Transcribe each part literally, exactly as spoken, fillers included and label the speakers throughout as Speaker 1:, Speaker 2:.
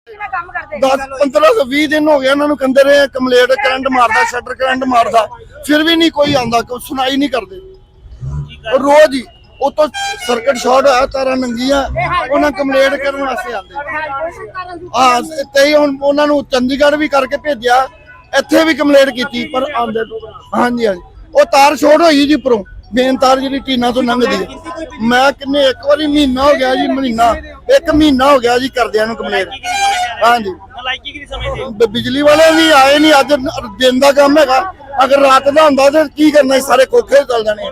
Speaker 1: दस पंद्रह सौ भी दिन हो गया इन्होंने कहते रहे कंप्लेंट करंट मारदा शटर करंट मारदा फिर भी नहीं कोई आंदा कोई सुनाई नहीं करते रोज ही उतो सर्किट शॉर्ट होया तारा नंगियां उन्हें कंप्लेंट करने वास्ते आंदे हां ते हुण उन्हां नूं चंडीगढ़ भी करके भेजिया इत्थे भी कंप्लेंट कीती पर आंदे हां जी हां वो तार शॉर्ट होई जी उपरों मेन तार जी टीना तो लंघदी है मैं किन्ने एक बारी महीना हो गया जी महीना एक महीना हो गया जी करदियां नूं कंप्लेंट हाँ जी बिजली वाले भी आए नहीं अज दिन का काम है अगर रात का होंदा तो की करना सारे खोखे चल जाने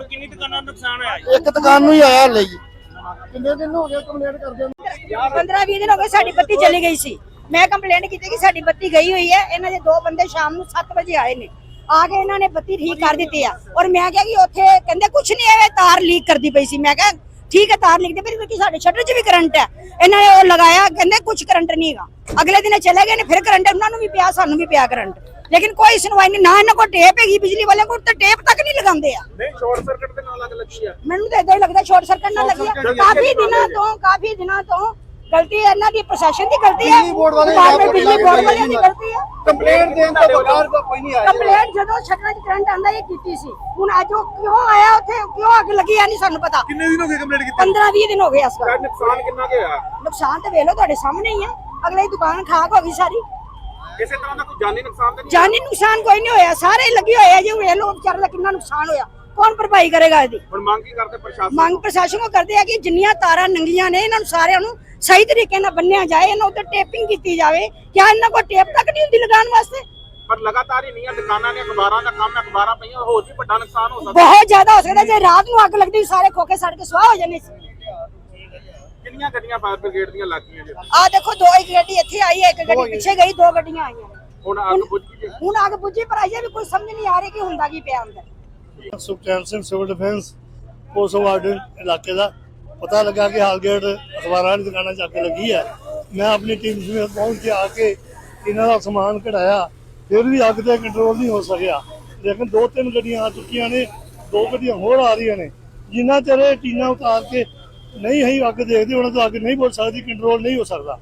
Speaker 1: एक दुकान नूं ही आया हले जी कितने दिन हो गए कंप्लेंट करदे
Speaker 2: पंद्रह बीस दिन हो गए साडी बत्ती चली गई सी मैं कंप्लेंट की कि साडी बत्ती गई हुई है इन्हां दे दो बंदे शाम नूं सत्त बजे आए ने आके इन्होंने बत्ती ठीक कर दी है और मैं क्या कि उत्थे कहंदे कुछ नहीं है तार लीक करती पई सी मैं क्या ठीक है तार लीक दी फिर साडे शटर च भी करंट है इन्होंने वो लगाया कहंदे कुछ करंट नहीं है अगले दिन चले गए ने फिर करंट उन्होंने भी पिया सानू भी पिया करंट लेकिन कोई सुनवाई नहीं ना इन्हां को टेप हैगी बिजली वाले को तो टेप तक नहीं लगांदे आ
Speaker 3: नहीं शॉर्ट सर्किट दे नाल अग लगी है
Speaker 2: मैनू तो इदां ही लगदा शॉर्ट सर्किट ना लगी है काफी दिनों तो काफी दिनों तो गलती है इन्हां दी प्रशासन की गलती है बिजली बोर्ड वाले की गलती है
Speaker 3: कंप्लेंट देन तो बगैर कोई नहीं आया
Speaker 2: कंप्लेंट ਜਦੋਂ ਛੱਡਣਾ ਚ ਕਰੰਟ ਆਂਦਾ ਇਹ ਕੀਤੀ ਸੀ ਹੁਣ ਅੱਜ ਉਹ ਕਿਉਂ ਆਇਆ ਉੱਥੇ ਕਿਉਂ ਅੱਗ ਲੱਗੀ ਆ ਨਹੀਂ ਸਾਨੂੰ ਪਤਾ
Speaker 3: ਕਿੰਨੇ ਦਿਨ ਹੋ ਗਏ ਕੰਪਲੀਟ ਕੀਤੀ
Speaker 2: पंद्रह बीस दिन हो गए ਇਸ ਵਾਰ
Speaker 3: ਨੁਕਸਾਨ ਕਿੰਨਾ ਕੁ ਹੋਇਆ
Speaker 2: ਨੁਕਸਾਨ ਤੇ ਵੇਖ ਲਓ ਤੁਹਾਡੇ ਸਾਹਮਣੇ ਹੀ ਆ ਅਗਲੇ ਦੀ ਦੁਕਾਨ ਖਾਕ ਹੋ ਗਈ ਸਾਰੀ
Speaker 3: ਕਿਸੇ ਤਰ੍ਹਾਂ ਦਾ ਕੋਈ ਜਾਨੀ ਨੁਕਸਾਨ ਤਾਂ ਨਹੀਂ
Speaker 2: ਜਾਨੀ ਨੁਕਸਾਨ ਕੋਈ ਨਹੀਂ ਹੋਇਆ ਸਾਰੇ ਲੱਗੇ ਹੋਏ ਆ ਜੀ ਵੇਖ ਲਓ ਵਿਚਾਰੇ ਦਾ ਕਿੰਨਾ ਨੁਕਸਾਨ ਹੋਇਆ ਕੌਣ ਭਰਪਾਈ ਕਰੇਗਾ ਇਹਦੀ
Speaker 3: ਹੁਣ ਮੰਗ ਕੀ ਕਰਦੇ ਪ੍ਰਸ਼ਾਸਨ
Speaker 2: ਮੰਗ ਪ੍ਰਸ਼ਾਸਨ ਕੋ ਕਰਦੇ ਆ ਕਿ ਜਿੰਨੀਆਂ ਤਾਰਾਂ ਨੰਗੀਆਂ ਨੇ ਇਹਨਾਂ ਨੂੰ ਸਾਰਿਆਂ ਨੂੰ ਸਹੀ ਤਰੀਕੇ ਨਾਲ ਬੰਨਿਆ ਜਾਏ ਇਹਨਾਂ ਉੱਤੇ ਟੇਪਿੰਗ ਕੀਤੀ ਜਾਵੇ ਕਿਆ ਇਹਨਾਂ ਕੋਲ ਟੇਪ ਤੱਕ ਨਹੀਂ ਹੁੰਦੀ ਲਗਾਉਣ ਵਾਸਤੇ
Speaker 3: ਪਰ ਲਗਾਤਾਰ ਹੀ ਨਹੀਂ ਹੈ ਦੁਕਾਨਾਂ ਨੇ ਅਖਬਾਰਾਂ ਦਾ ਕੰਮ ਹੈ ਅਖਬਾਰਾਂ ਪਈਆਂ ਹੋਰ ਵੀ ਵੱਡਾ ਨੁਕਸਾਨ ਹੋ ਸਕਦਾ
Speaker 2: ਬਹੁਤ ਜ਼ਿਆਦਾ ਹੋ ਸਕਦਾ ਜੇ ਰਾਤ ਨੂੰ ਅੱਗ ਲੱਗਦੀ ਸਾਰੇ ਖੋਕੇ ਸੜ ਕੇ ਸੁਆਹ ਹੋ ਜਾਣੇ ਸੀ
Speaker 3: ਕਿੰਨੀਆਂ ਗੱਡੀਆਂ ਫਾਇਰ ਬ੍ਰਿਗੇਡ ਦੀਆਂ ਲੱਗੀਆਂ ਜੀ
Speaker 2: ਆ ਦੇਖੋ ਦੋ ਇੱਕ ਗੱਡੀ ਇੱਥੇ ਆਈ ਹੈ ਇੱਕ ਗੱਡੀ ਪਿੱਛੇ ਗਈ ਦੋ ਗੱਡੀਆਂ ਆਈਆਂ
Speaker 3: ਹੁਣ ਅੱਗ ਬੁੱਝ ਗਈ
Speaker 2: ਹੁਣ ਅੱਗ ਬੁੱਝੀ ਪਰ ਆਈਏ ਵੀ ਕੋਈ ਸਮਝ ਨਹੀਂ ਆ ਰਹੀ ਕਿ ਹੁੰਦਾ ਕੀ ਪਿਆ ਅੰਦਰ
Speaker 4: Sukhchain Singh civil defence post warden ਇਲਾਕੇ ਦਾ ਪਤਾ ਲੱਗਾ ਕਿ ਹਾਲਗੇਟ ਅਖਬਾਰਾਂ ਦੀ ਦੁਕਾਨਾਂ 'ਚ ਅੱਗ ਲੱਗੀ ਹੈ ਮੈਂ ਆਪਣੀ ਟੀਮ ਸਮੇਤ ਪਹੁੰਚ ਕੇ ਆ ਕੇ ਇਹਨਾਂ ਦਾ ਸਮਾਨ ਕਢਾਇਆ ਫਿਰ ਵੀ ਅੱਗ ਤੇ ਕੰਟਰੋਲ ਨਹੀਂ ਹੋ ਸਕਿਆ ਲੇਕਿਨ ਦੋ ਤਿੰਨ ਗੱਡੀਆਂ ਆ ਚੁੱਕੀਆਂ ਨੇ ਦੋ ਗੱਡੀਆਂ ਹੋਰ ਆ ਰਹੀਆਂ ਨੇ ਜਿੰਨਾ ਚਿਰ ਇਹ ਟੀਨਾ ਉਤਾਰ ਕੇ ਨਹੀਂ ਹੈ ਅੱਗ ਦੇਖਦੇ ਉਹਨਾਂ ਤੋਂ ਅੱਗ ਨਹੀਂ ਬੁਝ ਸਕਦੀ ਕੰਟਰੋਲ ਨਹੀਂ ਹੋ ਸਕਦਾ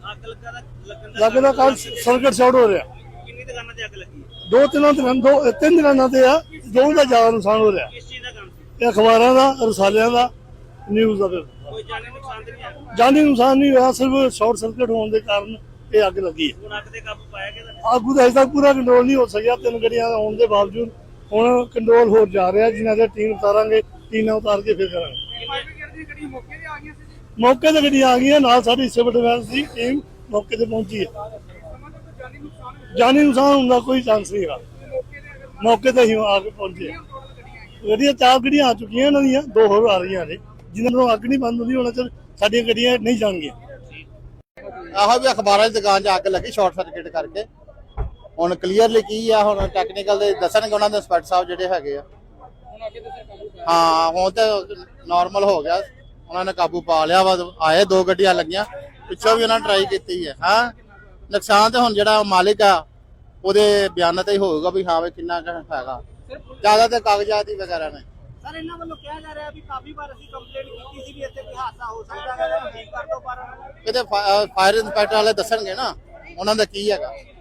Speaker 4: ਲੱਗਦਾ ਕੱਲ ਸਰਕਟ ਸ਼ਾਰਟ ਹੋ ਰਿਹਾ
Speaker 3: ਕਿੰਨੀ ਦੁਕਾਨਾਂ ਤੇ ਅੱਗ ਲੱਗੀ
Speaker 4: ਦੋ ਤਿੰਨਾਂ ਦਿਨਾਂ ਦੋ ਤਿੰਨ ਦਿਨਾਂ ਤੇ ਆ ਦੋ ਦਾ ਜ਼ਿਆਦਾ ਨੁਕਸਾਨ ਹੋ ਰਿਹਾ
Speaker 3: ਕਿਸ ਚੀਜ਼ ਦਾ ਕੰਮ ਸੀ
Speaker 4: ਇਹ ਅਖਬਾਰਾਂ ਦਾ ਰਸਾਲਿਆਂ ਦਾ ਨਿਊਜ਼ ਦਾ
Speaker 3: ਕੋਈ ਜਾਨੀ ਨੁਕਸਾਨ ਤਾਂ ਨਹੀਂ ਆਇਆ
Speaker 4: ਜਾਨੀ ਨੁਕਸਾਨ ਨਹੀਂ ਹੋਇਆ ਸਿਰਫ ਸ਼ਾਰਟ ਸਰਕਟ ਹੋਣ ਦੇ ਕਾਰਨ ਇਹ ਅੱਗ ਲੱਗੀ ਹੈ
Speaker 3: ਹੁਣ ਅੱਗ ਤੇ ਕਾਬੂ ਪਾਇਆ ਗਿਆ
Speaker 4: ਅੱਗ ਦਾ ਅਜੇ ਤੱਕ ਪੂਰਾ ਕੰਟਰੋਲ ਨਹੀਂ ਹੋ ਸਕਿਆ ਤਿੰਨ ਗੱਡੀਆਂ ਹੋਣ ਦੇ ਬਾਵਜੂਦ ਹੁਣ ਕੰਟਰੋਲ ਹੋ ਜਾ ਰਿਹਾ ਜਿਨ੍ਹਾਂ ਦੇ ਟੀਮ ਉਤਾਰਾਂਗੇ ਟੀਨਾਂ ਉਤਾਰ ਕੇ ਫਿਰ ਕਰਾਂਗੇ ਮੌਕੇ ਤੇ ਗੱਡੀਆਂ ਆ ਗਈਆਂ ਨਾਲ ਸਾਡੀ ਸਿਵਲ ਡਿਫੈਂਸ ਦੀ ਟੀਮ ਮੌਕੇ ਤੇ ਪਹੁੰਚੀ ਹੈ ਜਾਨੀ ਨੁਕਸਾਨ ਹੁੰਦਾ ਕੋਈ ਚਾਂਸ ਨਹੀਂ ਹੈਗਾ ਮੌਕੇ ਤੇ ਹੀ ਆ ਕੇ ਪਹੁੰਚੇ ਗੱਡੀਆਂ ਚਾਰ ਗੱਡੀਆਂ ਆ ਚੁੱਕੀਆਂ ਇਹਨਾਂ ਦੀਆਂ ਦੋ ਹੋਰ ਆ ਰਹੀਆਂ ਨੇ ਜਿਨ੍ਹਾਂ ਨੂੰ ਅੱਗ ਨਹੀਂ ਬੰਦ ਹੁੰਦੀ ਉਹਨਾਂ ਚ ਸਾਡੀਆਂ ਗੱਡੀਆਂ ਨਹੀਂ ਜਾਣਗੀਆਂ
Speaker 5: ਆਹੋ ਵੀ ਅਖਬਾਰਾਂ ਦੀ ਦੁਕਾਨ 'ਚ ਅੱਗ ਲੱਗੀ ਸ਼ਾਰਟ ਸਰਕਟ ਕਰਕੇ ਹੁਣ ਕਲੀਅਰਲੀ ਕੀ ਆ ਹੁਣ ਟੈਕਨੀਕਲ ਦੇ ਦੱਸਣਗੇ ਉਹਨਾਂ ਦੇ ਇੰਸਪੈਕਟਰ ਸਾਹਿਬ ਜਿਹੜੇ ਹੈਗੇ ਆ ਹਾਂ ਹੁਣ ਤੇ ਨਾਰਮਲ ਹੋ ਗਿਆ ਉਹਨਾਂ ਨੇ ਕਾਬੂ ਪਾ ਲਿਆ ਵਾ ਆਏ ਦੋ ਗੱਡੀਆਂ ਲੱਗੀਆਂ ਪਿੱਛੋਂ ਵੀ ਉਹਨਾਂ ਨੇ ਟਰਾਈ ਕੀਤੀ ਹੈ ਹਾਂ ਨੁਕਸਾਨ ਤੇ ਹੁਣ ਜਿਹੜਾ ਮਾਲਿਕ ਆ ਉਹਦੇ ਬਿਆਨਾਂ ਤੇ ਹੀ ਹੋਊਗਾ ਵੀ ਹਾਂ ਵੀ ਕਿੰਨਾ ਹੈਗਾ ਜ਼ਿਆਦਾ ਤੇ ਕਾਗਜ਼ਾਤ ਹੀ ਵਗੈਰਾ ਨੇ
Speaker 3: ਸਰ ਇਹਨਾਂ ਵੱਲੋਂ ਕਿਹਾ ਜਾ ਰਿਹਾ ਵੀ ਕਾਫੀ ਵਾਰ ਅਸੀਂ ਕੰਪਲੇਂਟ ਕੀਤੀ ਸੀ ਵੀ ਇੱਥੇ ਕੋਈ ਹਾਦਸਾ ਹੋ ਸਕਦਾ ਹੈ ਠੀਕ ਕਰ ਦੋ ਪਰ
Speaker 5: ਕਿਤੇ ਫਾਇਰ ਇੰਸਪੈਕਟਰ ਵਾਲੇ ਦੱਸਣਗੇ ਨਾ ਉਹਨਾਂ ਦਾ ਕੀ ਹੈਗਾ